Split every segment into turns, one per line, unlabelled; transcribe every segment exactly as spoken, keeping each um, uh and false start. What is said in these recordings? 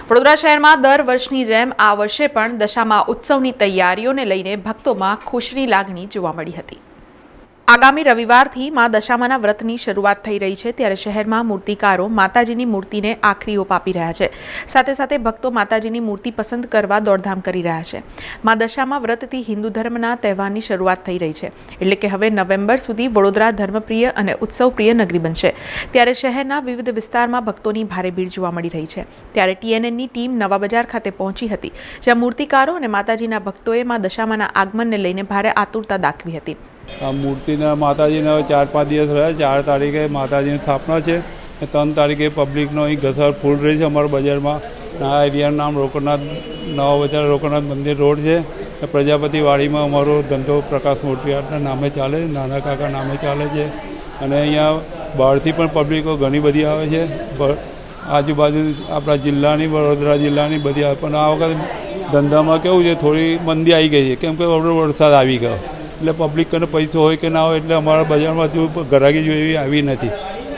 વડોદરા શહેરમાં દર વર્ષની જેમ આ વર્ષે પણ દશામા ઉત્સવની તૈયારીઓને લઈને ભક્તોમાં ખુશીની લાગણી જોવા મળી હતી। આગામી રવિવારથી મા દશામાના વ્રતની શરૂઆત થઈ રહી છે, ત્યારે શહેરમાં મૂર્તિકારો માતાજીની મૂર્તિને આખરી ઓપ આપી રહ્યા છે। સાથે સાથે ભક્તો માતાજીની મૂર્તિ પસંદ કરવા દોડધામ કરી રહ્યા છે। મા દશામા વ્રતથી હિન્દુ ધર્મના તહેવારની શરૂઆત થઈ રહી છે, એટલે કે હવે નવેમ્બર સુધી વડોદરા ધર્મપ્રિય અને ઉત્સવપ્રિય નગરી બનશે। ત્યારે શહેરના વિવિધ વિસ્તારમાં ભક્તોની ભારે ભીડ જોવા મળી રહી છે। ત્યારે ટીએનએનની ટીમ નવા બજાર ખાતે પહોંચી હતી, જ્યાં મૂર્તિકારો અને માતાજીના ભક્તોએ મા દશામાના આગમનને લઈને ભારે આતુરતા દાખવી હતી।
આ મૂર્તિના માતાજીના ચાર પાંચ દિવસ રહ્યા। ચાર તારીખે માતાજીની સ્થાપના છે, ત્રણ તારીખે પબ્લિકનો અહીં ઘસર ફૂલ રહી છે અમારા બજારમાં। આ એરિયાનું નામ રોકડનાથ નવા બજાર રોકડનાથ મંદિર રોડ છે। પ્રજાપતિવાડીમાં અમારો ધંધો પ્રકાશ મૂર્તિઆર્ટના નામે ચાલે છે, નાના કાકા નામે ચાલે છે। અને અહીંયા બહારથી પણ પબ્લિકો ઘણી બધી આવે છે, આજુબાજુ આપણા જિલ્લાની વડોદરા જિલ્લાની બધી આવે। પણ આ વખતે ધંધામાં કેવું છે, થોડી મંદી આવી ગઈ છે, કેમ કે વરસાદ આવી ગયો એટલે પબ્લિક કને પૈસો હોય કે ના હોય એટલે અમારા બજારમાં હજુ ગ્રાહકી જોઈએ એવી આવી નથી।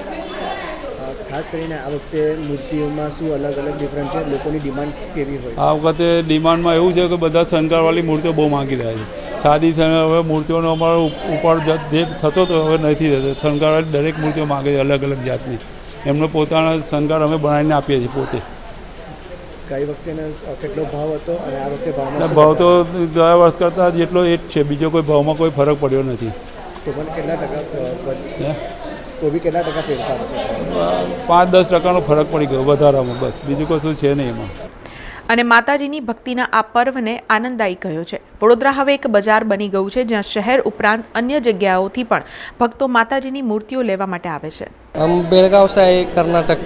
ખાસ કરીને આ વખતે મૂર્તિઓમાં શું અલગ અલગ ડિફરન્ટ છે, લોકોની ડિમાન્ડ કેવી હોય?
આ વખતે ડિમાન્ડમાં એવું છે કે બધા શણગારવાળી મૂર્તિઓ બહુ માગી રહ્યા છે। સાદી હવે મૂર્તિઓનો અમારો ઉપાડ દેખ થતો તો હવે નથી થતો। શણગારવાળી દરેક મૂર્તિઓ માગે છે અલગ અલગ જાતની, એમનો પોતાના શણગાર અમે બનાવીને આપીએ છીએ પોતે।
કઈ વખતે કેટલો ભાવ હતો અને આ વખતે ભાવમાં
ભાવ તો ગયા વર્ષ કરતાં જેટલો એ જ છે, બીજો કોઈ ભાવમાં કોઈ ફરક પડ્યો નથી।
તો પણ કેટલા ટકા તો બી કેટલા ટકા ફેરફાર છે?
પાંચ દસ ટકાનો ફરક પડી ગયો વધારામાં, બસ બીજું કશું છે નહીં એમાં।
અને માતાજીની ભક્તિના આ પર્વને આનંદદાયી કહ્યો છે। વડોદરા હવે એક બજાર બની ગયું છે, જ્યાં શહેર ઉપરાંત અન્ય જગ્યાઓથી પણ ભક્તો માતાજીની મૂર્તિઓ લેવા માટે આવે છે।
हम बेलगांव से आए कर्नाटक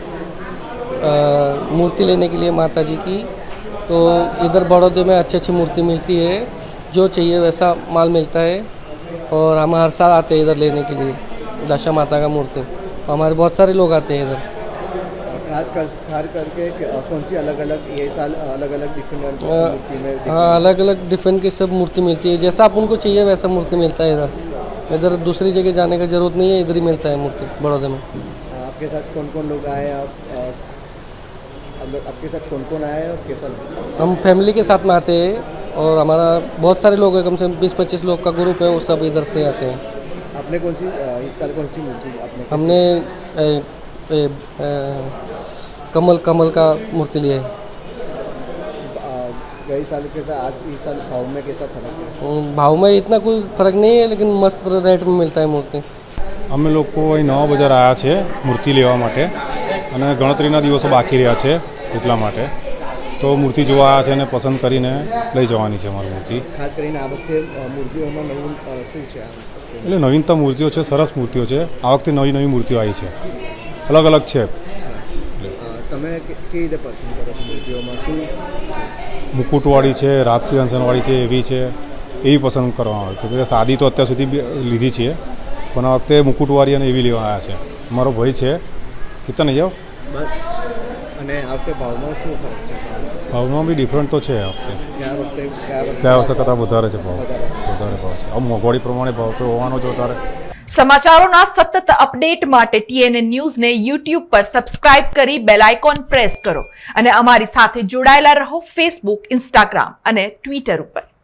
मूर्ति लेने के लिए माता जी की, तो इधर बड़ौदे में अच्छी अच्छी मूर्ति मिलती है, जो चाहिए वैसा माल मिलता है और हम हर साल आते हैं इधर लेने के लिए दशा माता का मूर्ति। हमारे बहुत सारे लोग आते हैं इधर।
खास कर खास करके कौन सी अलग अलग ये साल अलग अलग डिफरेंट मूर्ति में?
हाँ, अलग अलग डिफरेंट की सब मूर्ति मिलती है, जैसा आप उनको चाहिए वैसा मूर्ति मिलता है इधर। इधर दूसरी जगह जाने का ज़रूरत नहीं है, इधर ही मिलता है मूर्ति बड़ौदे में।
आपके साथ कौन कौन लोग आए? आप आपके साथ कौन कौन आए और कैसा?
हम फैमिली के साथ में आते हैं और हमारा बहुत सारे लोग हैं, कम से कम बीस पच्चीस लोग का ग्रुप है, वो सब इधर से आते हैं।
आपने कौन सी इस साल कौन सी मूर्ति आपने?
हमने ए, ए, ए, कमल कमल का मूर्ति लिए है।
गई साल के साथ आज इस साल भाव में कैसा फर्क है?
भाव में इतना कोई फर्क नहीं है, लेकिन मस्त रेट में मिलता है मूर्ति।
અમે લોકો અહીં નવા બજાર આવ્યા છે મૂર્તિ લેવા માટે, અને ગણતરીના દિવસો બાકી રહ્યા છે એટલા માટે તો મૂર્તિ જોવા આવ્યા છે અને પસંદ કરીને લઈ જવાની છે અમારી મૂર્તિ।
ખાસ કરીને આ વખતે મૂર્તિઓમાં નવું શું છે?
એટલે નવીનતમ મૂર્તિઓ છે, સરસ મૂર્તિઓ છે। આ વખતે નવી નવી મૂર્તિઓ આવી છે, અલગ અલગ છે।
તમે કેવી રીતે પસંદ કરો છો મૂર્તિઓમાં? શું
મુકુટવાળી છે, રાજસી અંસનવાળી છે, એવી છે, એવી પસંદ કરવામાં આવે છે। સાદી તો અત્યાર સુધી લીધી છે, પણ આ વખતે મુકુટવાળી અને એવી લેવા આવ્યા છે। અમારો ભાઈ છે, કેટલા નહીં જાઓ?
અને આ વખતે ભાવમાં શું ફરક છે?
ભાવમાં બી ડિફરન્ટ તો છે। આ વખતે
ગયા વખતે
ગયા વર્ષે કરતાં વધારે છે ભાવ, વધારે ભાવ છે। આ મોંઘવારી પ્રમાણે ભાવ તો હોવાનો જ વધારે।
સમાચારોના સતત અપડેટ માટે ટીએનએન ન્યૂઝને યુટ્યુબ પર સબસ્ક્રાઇબ કરી બેલ આઇકોન પ્રેસ કરો અને અમારી સાથે જોડાયેલા રહો ફેસબુક, ઇન્સ્ટાગ્રામ અને ટ્વિટર ઉપર।